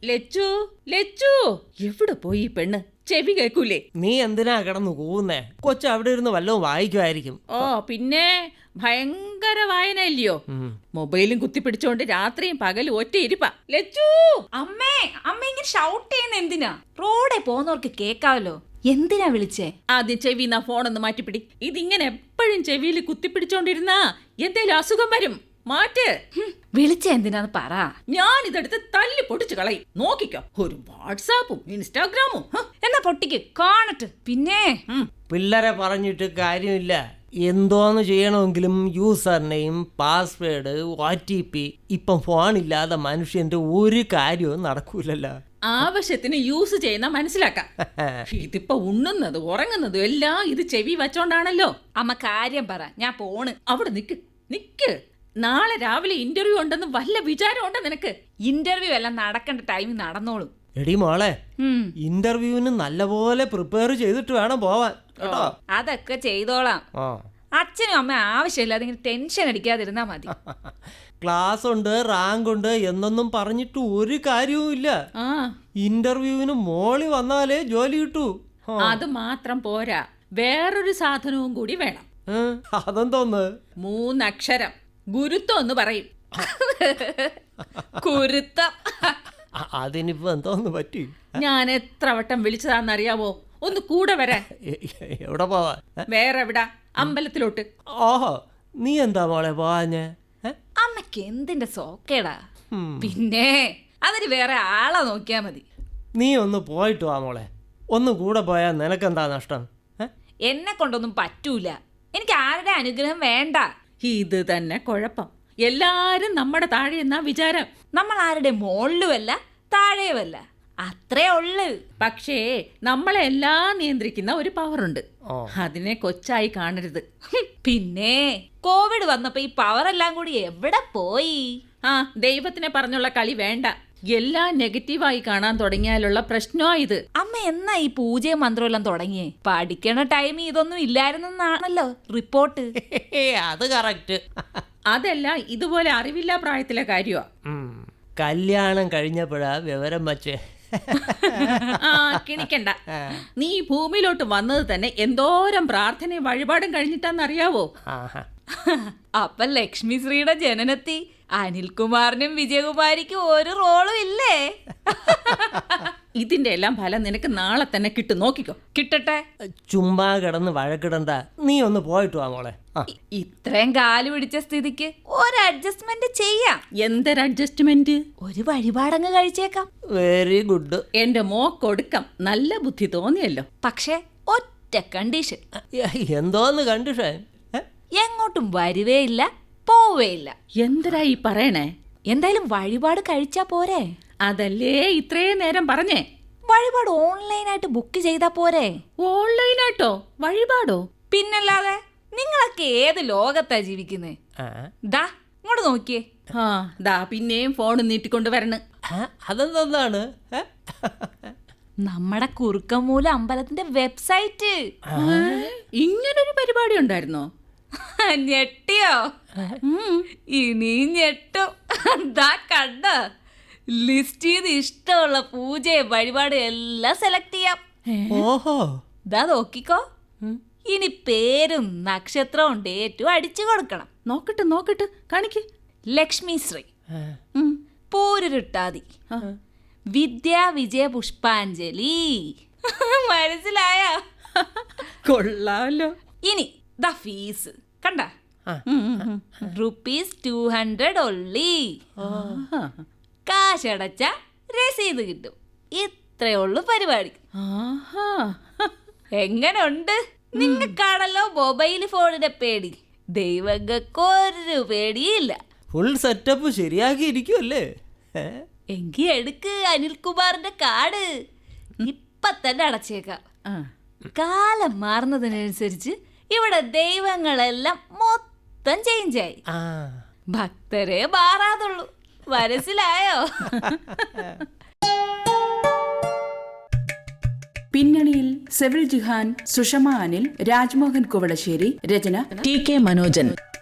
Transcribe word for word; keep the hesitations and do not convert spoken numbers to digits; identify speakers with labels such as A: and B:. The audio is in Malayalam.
A: ലച്ചു ലച്ചു എവിടെ പോയി ഈ പെണ്ണ്? ചെവി കേൾക്കൂലേ?
B: നീ എന്തിനാ കിടന്നു കൂവുന്നേ? കൊച്ചു അവിടെ ഇരുന്ന് വല്ലതും വായിക്കുമായിരിക്കും.
A: ഓ പിന്നെ ഭയങ്കര വായന ഇല്ലയോ? മൊബൈലും കുത്തിപ്പിടിച്ചോണ്ട് രാത്രിയും പകലും ഒറ്റ ഇരിപ്പാ. ലച്ചു
C: അമ്മേ അമ്മ ഇങ്ങനെ ഷൗട്ട് ചെയ്യുന്ന എന്തിനാ? റോഡെ പോകുന്നവർക്ക് കേക്കാവല്ലോ. എന്തിനാ വിളിച്ചേ?
A: ആദ്യം ചെവിന്നാ ഫോണൊന്ന് മാറ്റിപ്പിടി. ഇതിങ്ങനെ എപ്പോഴും ചെവിയിൽ കുത്തിപ്പിടിച്ചോണ്ടിരുന്നാ എന്തേലും അസുഖം വരും. മാറ്റ്.
C: വിളിച്ച എന്തിനാന്ന് പറ.
A: ഞാൻ ഇതെടുത്ത് തല്ലി പൊട്ടിച്ചു കളയും. നോക്കിക്കോ, ഒരു വാട്സാപ്പും ഇൻസ്റ്റാഗ്രാമും.
C: എന്നാ പൊട്ടിക്ക് കാണട്ടെ. പിന്നെ
B: പിള്ളേരെ പറഞ്ഞിട്ട് കാര്യമില്ല. എന്തോന്ന് ചെയ്യണമെങ്കിലും user name, password, O T P. ഇപ്പം ഫോണില്ലാതെ മനുഷ്യന്റെ ഒരു കാര്യവും നടക്കൂലല്ലോ.
A: ആവശ്യത്തിന് യൂസ് ചെയ്യുന്ന മനസ്സിലാക്കാം. ഇതിപ്പോ ഉണ്ണുന്നത് ഉറങ്ങുന്നതും എല്ലാം ഇത് ചെവി വച്ചോണ്ടാണല്ലോ.
C: അമ്മ കാര്യം പറ, ഞാൻ പോണ്.
A: അവിടെ നിക്ക് നിക്ക്. നാളെ രാവിലെ ഇന്റർവ്യൂ ഉണ്ടെന്ന് വല്ല വിചാരം ഉണ്ടോ നിനക്ക്?
C: ഇന്റർവ്യൂ എല്ലാം നടക്കേണ്ട ടൈമിൽ നടന്നോളും.
B: എടി മോളെ, ഇന്റർവ്യൂവിന് നല്ലപോലെ പ്രിപ്പയർ ചെയ്തിട്ട് വേണം പോവാൻ കേട്ടോ.
C: അതൊക്കെ ചെയ്തോളാം. അച്ഛനും അമ്മ ആവശ്യമില്ലാതെ ഇങ്ങനെ ടെൻഷൻ അടിക്കാതിരുന്നാ മതി.
B: ക്ലാസ് ഉണ്ട്, റാങ്ക് ഉണ്ട് എന്നൊന്നും പറഞ്ഞിട്ട് ഒരു കാര്യവും ഇല്ല. ഇന്റർവ്യൂവിന് മോളി വന്നാലേ ജോലി കിട്ടൂ.
A: അത് മാത്രം പോരാ, വേറൊരു സാധനവും കൂടി വേണം.
B: അതെന്തോന്ന്?
A: മൂന്നക്ഷരം. ഗുരുത്വം എന്ന് പറയും.
C: കുരുത്തം.
B: അതിനിപ്പോ എന്തോന്ന് പറ്റി?
A: ഞാൻ എത്ര വട്ടം വിളിച്ചതാന്നറിയാവോ? ഒന്ന് കൂടെ വരാൻ.
B: എവിടെ പോവാ?
A: വേറെ എവിടാ? അമ്പലത്തിലോട്ട്.
B: ഓഹോ, നീ എന്താ മോളെ പോവാഞ്ഞേ?
C: അമ്മക്ക് എന്തിന്റെ സോക്കേടാ? പിന്നെ അതിന് വേറെ ആളെ നോക്കിയാ മതി.
B: നീ ഒന്ന് പോയിട്ട് വാ മോളെ. ഒന്ന് കൂടെ പോയാ നിനക്കെന്താ നഷ്ടം?
C: എന്നെ കൊണ്ടൊന്നും പറ്റൂല. എനിക്ക് ആരുടെ അനുഗ്രഹം വേണ്ട.
A: ഇത് തന്നെ കുഴപ്പം. എല്ലാരും നമ്മുടെ താഴെ എന്നാ വിചാരം.
C: നമ്മൾ ആരുടെ മോളിലുമല്ല താഴെയുമല്ല, അത്രേ ഉള്ളു.
A: പക്ഷേ നമ്മളെ എല്ലാം നിയന്ത്രിക്കുന്ന ഒരു പവറുണ്ട്. അതിനെ കൊച്ചായി കാണരുത്.
C: പിന്നെ കോവിഡ് വന്നപ്പോ ഈ പവർ എല്ലാം കൂടി എവിടെ പോയി?
A: ആ ദൈവത്തിനെ പറഞ്ഞുള്ള കളി വേണ്ട. എല്ലാം നെഗറ്റീവായി കാണാൻ തുടങ്ങിയാലുള്ള പ്രശ്നമാ ഇത്.
C: അമ്മ എന്നാ ഈ പൂജയും മന്ത്രവും എല്ലാം തുടങ്ങിയേ? പഠിക്കണ ടൈം ഇതൊന്നും ഇല്ലായിരുന്നാണല്ലോ റിപ്പോർട്ട്.
B: അത് കറക്റ്റ്.
A: അതെല്ലാം ഇതുപോലെ അറിവില്ല പ്രായത്തിലെ കാര്യമാ.
B: കല്യാണം കഴിഞ്ഞപ്പോഴാ വിവരം വച്ചേ.
A: ആ കിണിക്കണ്ട. നീ ഭൂമിയിലോട്ട് വന്നത് തന്നെ എന്തോരം പ്രാർത്ഥനയും വഴിപാടും കഴിഞ്ഞിട്ടാന്നറിയാവോ?
C: അപ്പൊ ലക്ഷ്മി ശ്രീയുടെ ജനനത്തി അനിൽകുമാറിനും വിജയകുമാരിക്കും ഒരു റോളും ഇല്ലേ?
A: ഇതിന്റെ എല്ലാം ഫലം നിനക്ക് നാളെ തന്നെ കിട്ടും. നോക്കിക്കോ.
C: കിട്ടട്ടെ.
B: ചുമ്മാ കിടന്ന് വഴക്കിടണ്ട. നീ ഒന്ന് പോയിട്ട് വാ മോളെ.
C: ഇത്രയും കാല് പിടിച്ച സ്ഥിതിക്ക് ഒരു അഡ്ജസ്റ്റ്മെന്റ് ചെയ്യാം.
A: എന്തൊരു അഡ്ജസ്റ്റ്മെന്റ്?
C: ഒരു വഴിപാടങ്ങ് കഴിച്ചേക്കാം.
B: Very good.
A: എന്റെ മോക്കൊടുക്കാം. നല്ല ബുദ്ധി തോന്നിയല്ലോ.
C: പക്ഷെ ഒറ്റ കണ്ടീഷൻ.
B: എന്തോന്ന് കണ്ടീഷൻ?
C: എങ്ങോട്ടും വരുവേയില്ല, പോവേയില്ല.
A: എന്തരാ ഈ പറയണേ?
C: എന്തായാലും വഴിപാട് കഴിച്ചാ പോരെ?
A: അതല്ലേ ഇത്രയും നേരം പറഞ്ഞേ.
C: വഴിപാട് ഓൺലൈനായിട്ട് ബുക്ക് ചെയ്താ പോരെ?
A: ഓൺലൈനായിട്ടോ വഴിപാടോ?
C: പിന്നല്ലാതെ. നിങ്ങളൊക്കെ ഏത് ലോകത്താ ജീവിക്കുന്നേ? ദാ ഇങ്ങോട്ട് നോക്കിയേ.
A: ആ ദാ പിന്നെയും ഫോൺ നീട്ടിക്കൊണ്ട് വരണം.
B: അതെന്താണ്?
C: നമ്മുടെ കുറുക്കമൂല അമ്പലത്തിന്റെ വെബ്സൈറ്റ്.
A: ഇങ്ങനൊരു പരിപാടി ഉണ്ടായിരുന്നോ?
C: ഞെട്ടിയോ? ഇനിയും ഞെട്ടും. ദാ കണ്ട ലിസ്റ്റ് ചെയ്ത് ഇഷ്ടമുള്ള പൂജയും വഴിപാടും എല്ലാം സെലക്ട് ചെയ്യാം.
B: ഓഹോ,
C: ദാ നോക്കിക്കോ. ഇനി പേരും നക്ഷത്രവും ഡേറ്റും അടിച്ചു കൊടുക്കണം.
A: നോക്കട്ടെ നോക്കട്ടെ കാണിക്ക്.
C: ലക്ഷ്മി ശ്രീ, പൂരുരുട്ടാതി, വിദ്യാ വിജയ പുഷ്പാഞ്ജലി. മനസ്സിലായോ?
A: കൊള്ളാമല്ലോ.
C: ഇനി ദ ഫീസ് കണ്ട, റുപ്പീസ് ടു ഹൺഡ്രഡ് ഒള്ളി. കാശടച്ച രസീത് കിട്ടും. ഇത്രയേ ഉള്ളൂ പരിപാടി. എങ്ങനെ ഉണ്ട്? നിങ്ങൾക്കാണല്ലോ മൊബൈൽ ഫോണിന്റെ പേടി. ദൈവങ്ങൾക്കൊരു പേടിയില്ല.
B: ഫുൾ സെറ്റപ്പ് ശരിയാക്കി ഇരിക്കുമല്ലേ?
C: എങ്കി എടുക്ക് അനിൽകുമാറിന്റെ കാർഡ്. ഇപ്പൊ തന്നെ അടച്ചേക്കാം. കാലം മാറുന്നതിനനുസരിച്ച് ഇവിടെ ദൈവങ്ങളെല്ലാം മൊത്തം ചേഞ്ചായി. ഭക്തരെ മാറാതുള്ളൂ. മനസ്സിലായോ?
D: പിന്നണിയിൽ സെവിൽ ജിഹാൻ, സുഷമ അനിൽ, രാജ്മോഹൻ കുവളശ്ശേരി. രചന ടി കെ മനോജൻ.